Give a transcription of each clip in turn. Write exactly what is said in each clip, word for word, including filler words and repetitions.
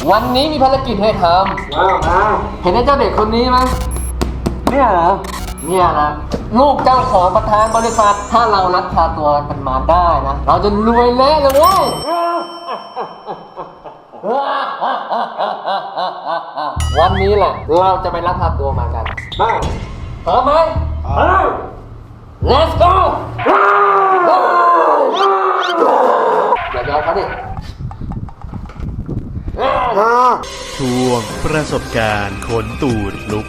วันนี้มีภารกิจให้ทำเห็นไอ้เจ้าเด็กคนนี้ไหมเนี่ยเหรอเนี่ยนะลูกเจ้าของประธานบริษัทถ้าเราลักพาตัวมันมาได้นะเราจะรวยแน่เลยเว้ยวันนี้แหละเราจะไปลักพาตัวมากันพร้อมไหม Let's go อย่ายอมเขาดิช่วงประสบการณ์ขนตูดลุก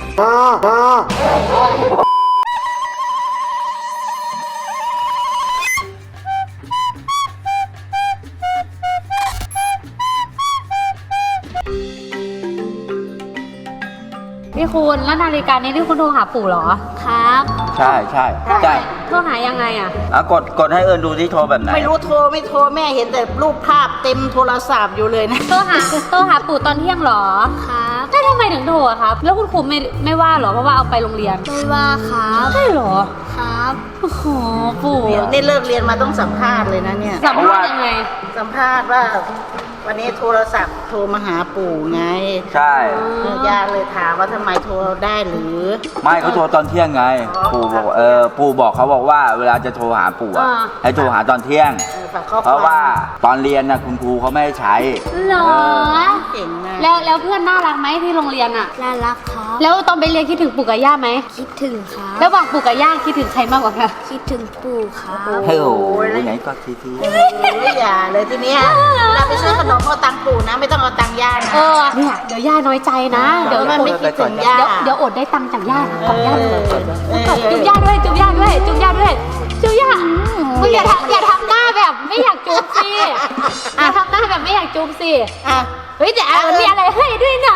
พี่คุณแล้วนาฬิกานี้ที่คุณโทรหาปู่เหรอครับใช่ใช่ใช่โทรหายังไงอ่ะอ่ะกดกดให้เอิญดูที่โทรแบบไหนไม่รู้โทรไม่โทรแม่เห็นแต่รูปภาพเต็มโทรศัพท์อยู่เลยนะโทรหาโทรหาปู่ตอนเที่ยงเหรอครับแล้วทำไมถึงโทรอะครับแล้วคุณครูไม่ไม่ว่าเหรอเพราะว่าเอาไปโรงเรียนไม่ว่าครับใช่เหรอครับโอ้โหปู่นี่เลิกเรียนมาต้องสัมภาษณ์เลยนะเนี่ยสัมภาษณ์ยังไงสัมภาษณ์ว่าวันนี้โทรศัพท์โทรมาหาปู่ไงใช่ย่าเลยถามว่าทำไมโทรได้หรือไม่เขาโทรตอนเที่ยงไงปู่บอกเออปู่บอกเขาบอกว่าเวลาจะโทรหาปู่อะให้โทรหาตอนเที่ยงเพราะว่าตอนเรียนนะคุณครูเขาไม่ให้ใช้หรอเก่งนะแล้วแล้วเพื่อนน่ารักไหมที่โรงเรียนอะน่ารักครับแล้วตอนไปเรียนคิดถึงปู่กับย่าไหมคิดถึงครับแล้วระหว่างปู่กับย่าคิดถึงใครมากกว่ากันคิดถึงปู่ครับเฮ้ยโอ้ยไหนก็ทีทีไม่อย่าเลยทีเนี้ยเราไปซื้อขนมเอาตังค์ปู่นะไม่ต้องเอาตังค์ย่านะเออเนี่ยเดี๋ยวย่าน้อยใจนะเดี๋ยวมันไม่คิดถึงย่าเดี๋ยวอดได้ตังค์จากย่ากับย่าเลยจุ๊บย่าด้วยจุ๊บย่าด้วยจุ๊บย่าด้วยจุ๊บย่าอย่าทำอย่าทำหน้าแบบไม่อยากจุ๊บสิอย่าทำหน้าแบบไม่อยากจุ๊บสิอ่ะเฮ้ยแต่มันมีอะไรให้ด้วยนะ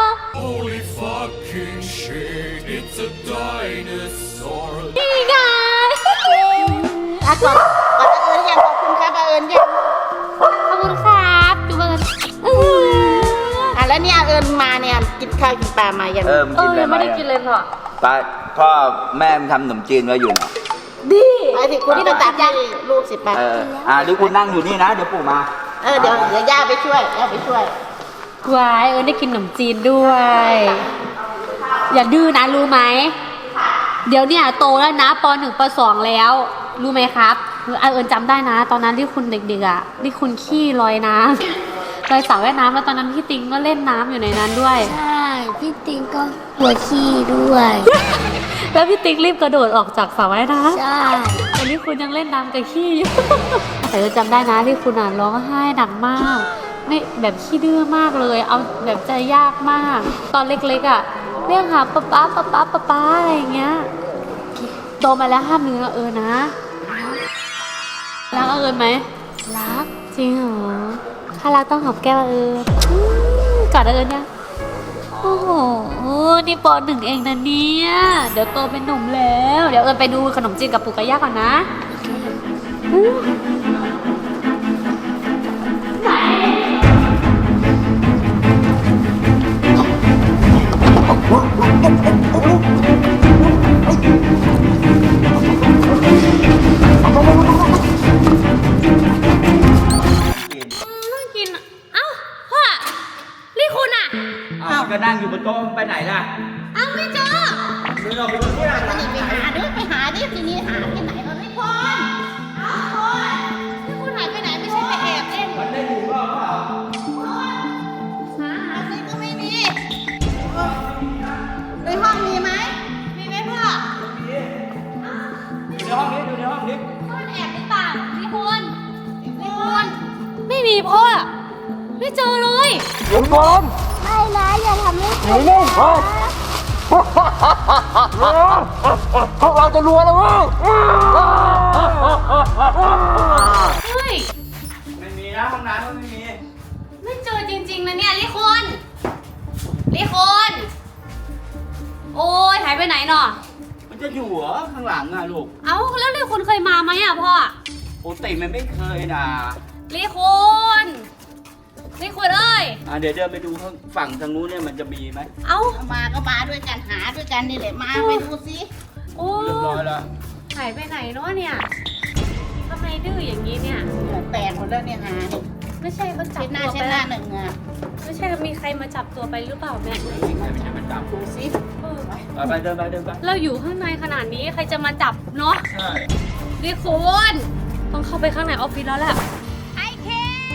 Holy fucking shit it's a dinosaur นี่ไงอ่ะก่อนก่อนเอิญยังขอบคุณครับเอิญยังขอบคุณครับจุ๊บเอิญอ่ะแล้วเนี่ยเอิญมาเนี่ยกินข้าวกินปลามายังเออเออยังไม่ได้กินเลยพ่อปลาพ่อแม่ทำขนมจีนไว้อยู่นะดีไอ้ที่คุณที่ตัดให้ลูกสิไปเอออ่ะดิคุณนั่งอยู่นี่นะเดี๋ยวปู่มาเออเดี๋ยวเดี๋ยวย่าไปช่วยย่าไปช่วยวายเอิญได้กินขนมจีนด้วยอย่าดื้อนะรู้ไหมเดี๋ยวเนี่ยโตแล้วนะปหนึ่งปสองแล้วรู้ไหมครับเอิญจำได้นะตอนนั้นที่คุณเด็กๆอ่ะที่คุณขี้ลอยน้ำลอยสระว่ายน้ำแล้วตอนนั้นพี่ติงก็เล่นน้ำอยู่ในนั้นด้วยใช่พี่ติงก็หัวขี้ด้วยแล้วพี่ติ๊กรีบกระโดดออกจากสระว่ายน้ำใช่ตอนนี้คุณยังเล่นน้ำกับขี้อยู่แต่เราจำได้นะที่คุณอ่ะร้องไห้หนักมากไม่แบบขี้ดื้อมากเลยเอาแบบใจยากมากตอนเล็กๆอ่ะเรียกหาป๊าป๊าป๊าป๊าป๊าป๊าอะไรอย่างเงี้ยโตมาแล้วห้ามเนื้อเออนะรักเอิญไหมรักจริงเหรอถ้ารักต้องหอมแก้มเอิญกอดเอิญยังโอ้โหนี่ปหนึ่งเองนะเนี่ยเดี๋ยวโตเป็นหนุ่มแล้วเดี๋ยวเอิญไปดูขนมจีนกับปู่กับย่าก่อนนะก็นั่งอยู่บนโต๊ะไปไหนล่ะอ้าวไม่เจอเดินออกไปบนที่ไหนไปหาดิไปหาดิทีนี้หาที่ไหนเราไม่พอนอ้าวคนที่คุณหายไปไหนไม่ใช่ไปแอบเล่นมันได้อยู่รอบเปล่าหาหาซิก็ไม่มีในห้องมีไหมมีไหมพ่อในห้องนี้ดูในห้องนี้พ่อแอบหรือเปล่าพี่คุณพี่คุณไม่มีพ่อไม่เจอเลยเดี๋ยวก่อนไม่นะอย่าทำให้หนูเล่นพวกเราจะรวยแล้วมั้งเฮ้ยไม่มีนะห้องน้ำก็ไม่มีไม่เจอจริงๆนะเนี่ยลิคุณลิคุณโอ้ยหายไปไหนเนาะมันจะอยู่เหรอข้างหลังอะลูกเอ้าแล้วลิคุณเคยมาไหมอะพ่อโอ้ติมันไม่เคยนะลิคุณลิคุณเอ้ยอ่ะเดี๋ยวเดินไปดูข้างฝั่งทางนู้นเนี่ยมันจะมีไหมเอ้ามาก็มาด้วยกันหาด้วยกันนี่แหละมาไปดูสิโอ้เรียบร้อยแล้วหายไปไหนเนาะเนี่ยทำไมดื้ออย่างนี้เนี่ยแปลกหมดแล้วเนี่ยหาไม่ใช่เขาจับเช็ดหน้าตัวเช็ดไปหน้าหนึ่งอ่ะไม่ใช่มีใครมาจับตัวไปหรือเปล่าแม่ดูสิเออไปเดินไปเดินไปเราอยู่ข้างในขนาดนี้ใครจะมาจับเนาะใช่นี่คุณต้องเข้าไปข้างในออฟฟิศแล้วแหละไอ้เค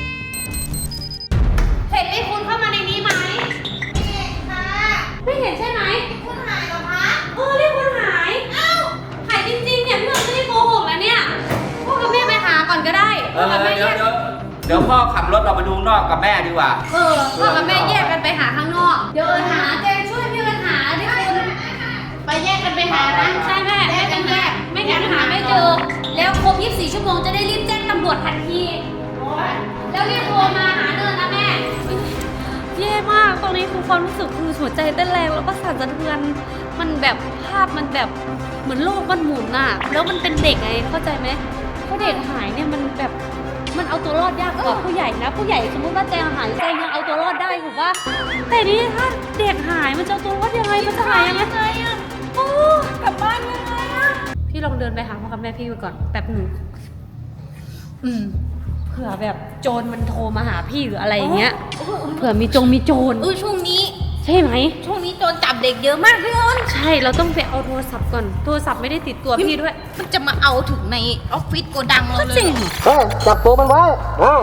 เห็นไอ้คุณเข้ามาในนี้ไหมเด็กค่ะไม่เห็นใช่ไหมคุณหายเหรอคะเออเรียกคุณหาย เอ้า หายจริงๆเนี่ยพี่เราไม่ได้โกหกแล้วเนี่ยพ่อกับแม่ไปหาก่อนก็ได้เอพ่ออกับแม่เดี๋แยยวกเดี๋ยวเดี๋ยวพ่อขับรถเราไปดูข้างนอกกับแม่ดีกว่าเออพ่อกับแม่แยกกันไปหาข้างนอก เดี๋ยวเอิญหาเจนช่วยพี่เอิญหาดิคุณไปแยกกันไปหานะใช่แม่แยกกันแยกไม่งั้นหาไม่เจอ แล้วครบยี่สิบสี่ชั่วโมงจะได้รีบแจ้งตำรวจทันที แล้วรีบโทรมาหาเนินนะแม่แย่มากตรงนี้คือความรู้สึกคือหัวใจเต้นแรงแล้วก็สั่นสะเทือน มันแบบภาพมันแบบเหมือนโลกมันหมุนน่ะ แล้วมันเป็นเด็กไงเข้าใจไหมเพราะเด็กหายเนี่ยมันแบบมันเอาตัวรอดยากกว่าผู้ใหญ่นะ ผู้ใหญ่สมมติว่าแจงหายแจงยังเอาตัวรอดได้ถูกปะแต่นี่ถ้าเด็กหายมันจะเอาตัวรอดยังไงมันจะหายยังไงอะโอ้กลับบ้านยังไงอะพี่ลองเดินไปหาพ่อกับแม่พี่ไปก่อนแป๊บหนึ่งอืมเผื่อแบบโจรมันโทรมาหาพี่หรืออะไรอย่างเงี้ยเผื่อมีจงมีโจรเออช่วงนี้ใช่ไหมช่วงนี้โจรจับเด็กเยอะมากพี่อ้นใช่เราต้องไปเอาโทรศัพท์ก่อนโทรศัพท์ไม่ได้ติดตัวพี่ด้วยมันจะมาเอาถึงในออฟฟิศโกดังเราเลยจริงเฮ้ยจับตัวมันไว้เฮ้ย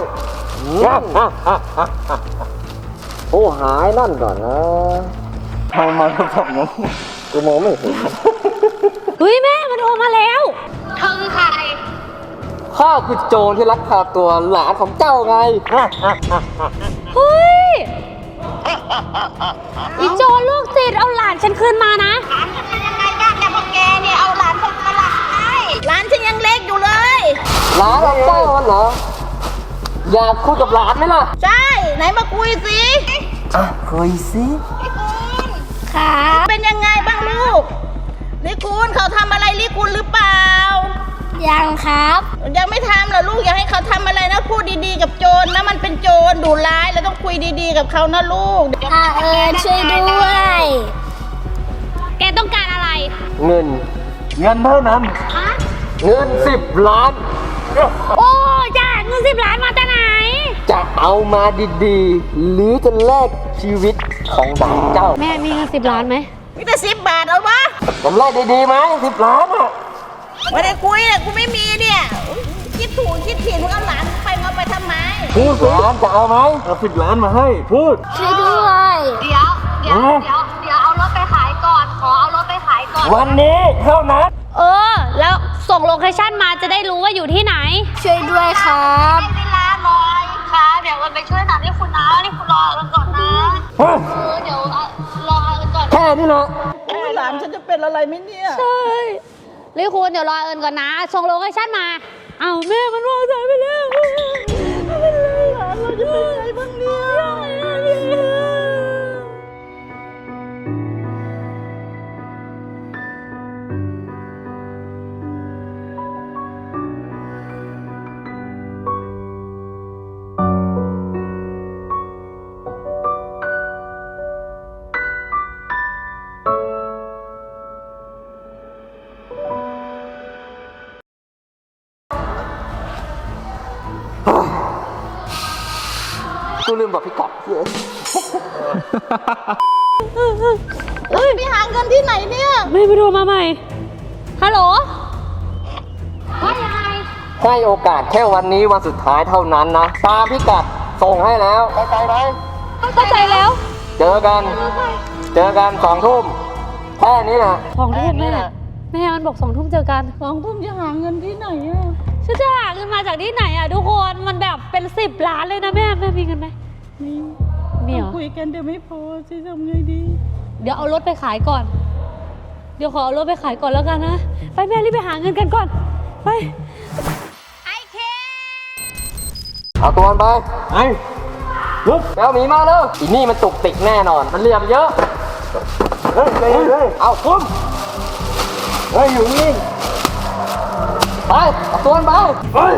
โอ้หายนั่นก่อนนะทำมาแล้วแบบนั้นกูมองไม่เห็นเฮ้ยแม่มันโทรมาแล้วเธอคือใครข้าคือโจรที่ลักพาตัวหลานของเจ้าไงเฮ้ยอีโจรลูกติดเอาหลานฉันคืนมานะหลานฉันเป็นยังไงบ้างเนี่ยพวกแกเนี่ยเอาหลานฉันมาหลักให้หลานฉันยังเล็กอยู่เลยหลานของเจ้ามันเหรอ อยากคุยกับหลานไหมล่ะใช่ ไหนมาคุยสิอ่ะคุยสิลิคุณครับเป็นยังไงบ้างลูกลิคุณเขาทำอะไรลิคุณหรือเปล่ายังครับยังไม่ทำเหรอลูกอยากให้เขาทำอะไรนะพูดดีๆกับโจรนะมันเป็นโจรดุร้ายแล้วต้องคุยดีๆกับเขานะลูกอาเอิญช่วยด้วยแกต้องการอะไรเงิน เงินเท่านั้นฮะเงินสิบล้านโอ้จ้าเงินสิบล้านมาจากไหนจะเอามาดีๆ หรือจะแลกชีวิตของหลานเจ้าแม่มีเงินสิบล้านไหมมีแต่สิบบาทเอาวะผมแลกดีๆไหมสิบล้านอ่ะไม่ได้คุยอ่ะกูไม่มีเนี่ยอุ๊ยคิดถูกคิดผิดมึงเอาหลานไปมาไปทำไมพูดล้านจะเอาไหมเอาสิบล้านมาให้ พูดช่วยด้วยเดี๋ยวเดี๋ยวเดี๋ยวเดี๋ยวเอารถไปขายก่อน ขอเอารถไปขายก่อนวันนี้เท่านั้นเออ แล้วส่งโลเคชั่นมาจะได้รู้ว่าอยู่ที่ไหนช่วยด้วยครับเวลาหน่อยค่ะเดี๋ยวมันไปช่วยหนักที่คุณนะนี่คุณรอกันก่อนนะเฮ้ยเออเดี๋ยวเอารอกันก่อนแค่นี้นะหลานฉันจะเป็นอะไรไหมเนี่ยใช่รีคุณเดี๋ยวรอเอิญก่อนนะ ส่งโลเคชั่นมา เอาแม่มันวางสายไปแล้วไม่เป็นไรหลานเราจะเป็นไงบ้างเนี่ยกูลืมบอกพี่กัดเยอะเฮ้ยไปหาเงินที่ไหนเนี่ยไม่ไปดูมาใหม่ ฮัลโหลว่ายังไงให้โอกาสแค่วันนี้วันสุดท้ายเท่านั้นนะ ตามพี่กัดส่งให้แล้วเข้าใจไหมเข้าใจแล้วเจอกัน เจอกันสองทุ่มแค่นี้นะสองทุ่มแม่แม่มันบอกสองทุ่มเจอกันสองทุ่มจะหาเงินที่ไหนอะฉันจะหาเงินมาจากที่ไหนอ่ะทุกคนมันแบบเป็นสิบล้านเลยนะแม่แม่มีเงินไหมมีมีเหรอคุยกันเดี๋ยวไม่พอจะทำไงดีเดี๋ยวเอารถไปขายก่อน เดี๋ยวขอเอารถไปขายก่อนแล้วกันนะ ไปแม่รีบไปหาเงินกันก่อน ไปไอ้เคเอาตัวมันไปไอ้ลุกแล้วหมีมาแล้วอีนี่มันตุกติกแน่นอน มันเหลี่ยมเยอะ เฮ้ยเฮ้ยเฮ้ยเอาคุ้มเฮ้ยอยู่นี่ไปเอาตัวมันไปเฮ้ย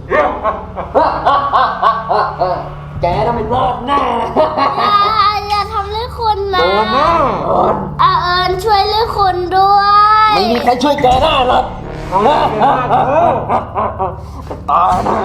แกต้องเป็นรอดแน่อย่าอย่าทำเรื่องคนนะโดนแน่อาเอิญช่วยเรื่องคนด้วยไม่มีใครช่วยแกได้หรอกตายนะ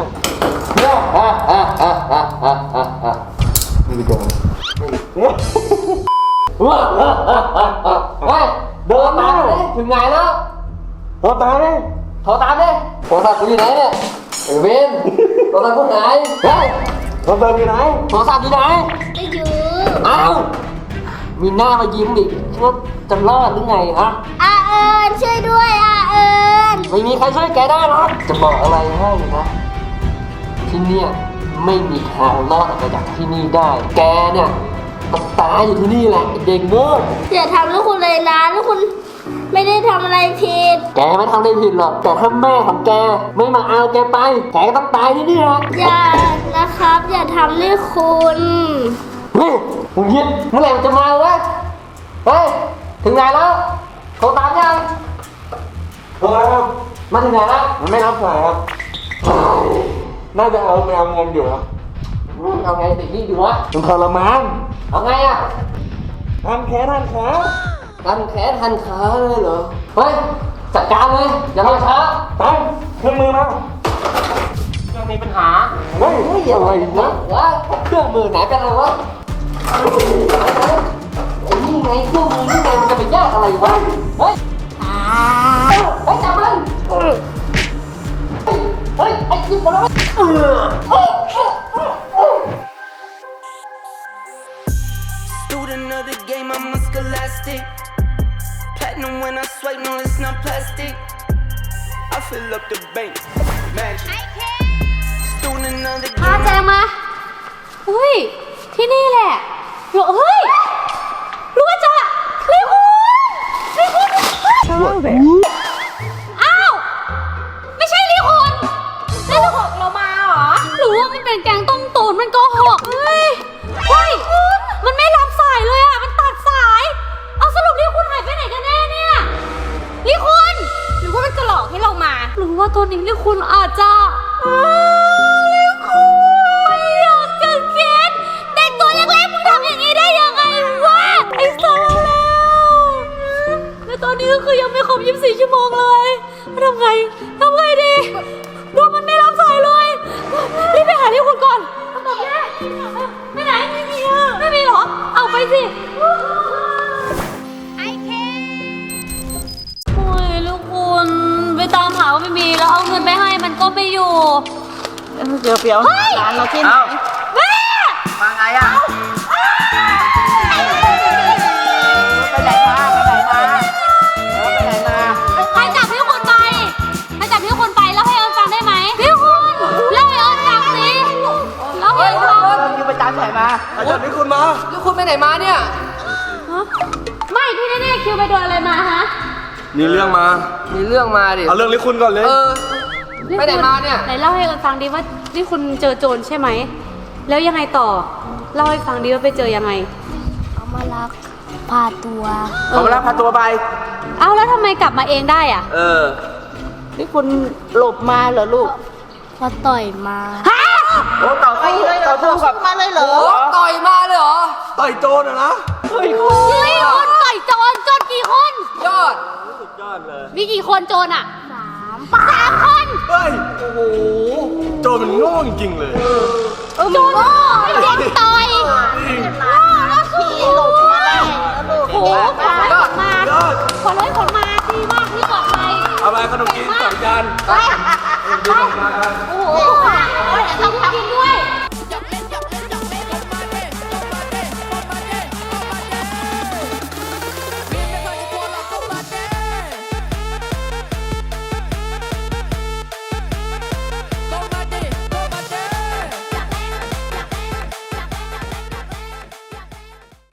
ไม่ได้เจอเฮ้ยเดินตามเลยถึงไหนแล้วโทรตามเลยโทรตามเลยโทรศัพท์กูอยู่ไหนเนี่ยไอ้เวนโทรศัพท์กูหายเฮ้ยโทรศัพท์อยู่ไหนโทรศัพท์อยู่ไหนไม่อยู่อ้าวมีหน้ามายิ้มดิคิดว่าจะรอดหรือไงฮะอาเอิญช่วยด้วยอาเอิญไม่มีใครช่วยแกได้หรอกจะบอกอะไรให้นะที่เนี่ยไม่มีทางรอดออกไปจากที่นี่ได้ แกเนี่ยต้องตายอยู่ที่นี่แหละไอ้เด็กโง่อย่าทำลูกคุณเลยนะลูกคุณไม่ได้ทำอะไรผิดแกไม่ทำอะไรผิดหรอกแต่ถ้าแม่ของแกไม่มาเอาแกไปแกก็ต้องตายที่นี่แหละอย่านะครับ อย่าทำลูกคุณเฮ้ยมึงยิดเมื่อไหร่มันจะมาวะเฮ้ยถึงไหนแล้วโทรตามยังโทรแล้วครับมาถึงไหนแล้วมันไม่รับสายครับน่าจะเอาไปเอาเงินอยู่ครับเอาไงติดนี่ดีวะมันทรมานเอาไงอะทันแขนทันขาทันแขนทันขาเลยเหรอเฮ้ยจัดการเลยอย่ารอช้าไปเครื่องมือมายังมีปัญหาเฮ้ยเฮ้ยอะไรนะวะเครื่องมือไหนเป็นอะไรวะไอ้นี่ไงเครื่องมือนี่ไงมันจะไปยากอะไรวะเฮ้ยเฮ้ยจับมันเฮ้ยไอ้จิ๊บมาแล้ว Student of the game, I'm a scholastic. Platinum when I swipe, no, it's not plastic. I fill up the bank, magic. Student of the พา game. แจงมาเฮ้ย ที่นี่แหละเหรอเฮ้ย รู้ว่าจะรีคุณรีคุณอ้าว ไม่ใช่รีคุณแล้วโกหกเรามาเหรอ หรือว่ามันเป็นแกงต้มตุ๋นมันโกหกเฮ้ย เฮ้ย มันไม่รับสายเลยอ่ะ มันตัดสาย เอาสรุปรีคุณหายไปไหนกันแน่เนี่ยรีคุณหรือว่ามันจะหลอกให้เรามา หรือว่าตัวนี้รีคุณอาจจะอ้าวรีคุณอยากจะเก็ตเด็กตัวเล็กๆมึงทำอย่างนี้ได้ยังไงวะไอ้สารแล้วแล้วตอนนี้ก็คือยังไม่ครบยี่สิบสี่ชั่วโมงเลยทำไงทำไงดีดูมันไม่รับสายเลยรีบไปหารีคุณก่อนทำแบบนี้ไปไหนไม่มีอ่ะไม่มีเหรอเอาไปสิไอเคโอ้ยลูกคุณไปตามหาว่าไม่มีแล้วเอาเงินไปให้มันก็ไม่อยู่เดี๋ยวเดี๋ยวร้านเราที่ไหนแม่มาไงอ่ะไปไหนมาไปไหนมาเออไปไหนมาใครจับพี่คุณไปใครจับพี่คุณไปแล้วให้เอิญฟังได้ไหมพี่คุณเล่าให้เอิญฟังสิเล่าให้เอิญฟังอยู่ไปตามที่ไหนมาอาจารย์นี่คุณมาแล้วคุณไปไหนมาเนี่ยไม่ที่แน่ๆคิวไปโดนอะไรมาฮะมีเรื่องมามีเรื่องมาดิเอาเรื่องลิคุณก่อนเลยเออ ไปไหนมาเนี่ยไหนเล่าให้เอิญฟังดิว่าที่คุณเจอโจรใช่ไหมแล้วยังไงต่อเล่าให้ฟังดิว่าไปเจอยังไงเขามาลักพาตัวเขามารับพาตัวไปเอ้าแล้วทำไมกลับมาเองได้อ่ะเออนี่คุณหลบมาเหรอลูกพอต่อยมาโอ้ต่อสู้ต่อสู้กับมาเลยเหรอต่อยมาเลยเหรอต่อยโจรอะนะเฮ้ยคนต่อยโจรโจรกี่คนยอดมีกี่คนโจรอ่ะสามสามคนเฮ้ย โอ้โห โจรมันโง่จริงๆเลยโจรเด็กต่อยขี่หลบมาได้แล้วลูกโอ้โหขนเลยขนมายอดขนเลยขนมาดีมากที่ปลอดภัยเอาไปขนมจีนสองจานไปไปโอ้โหขาย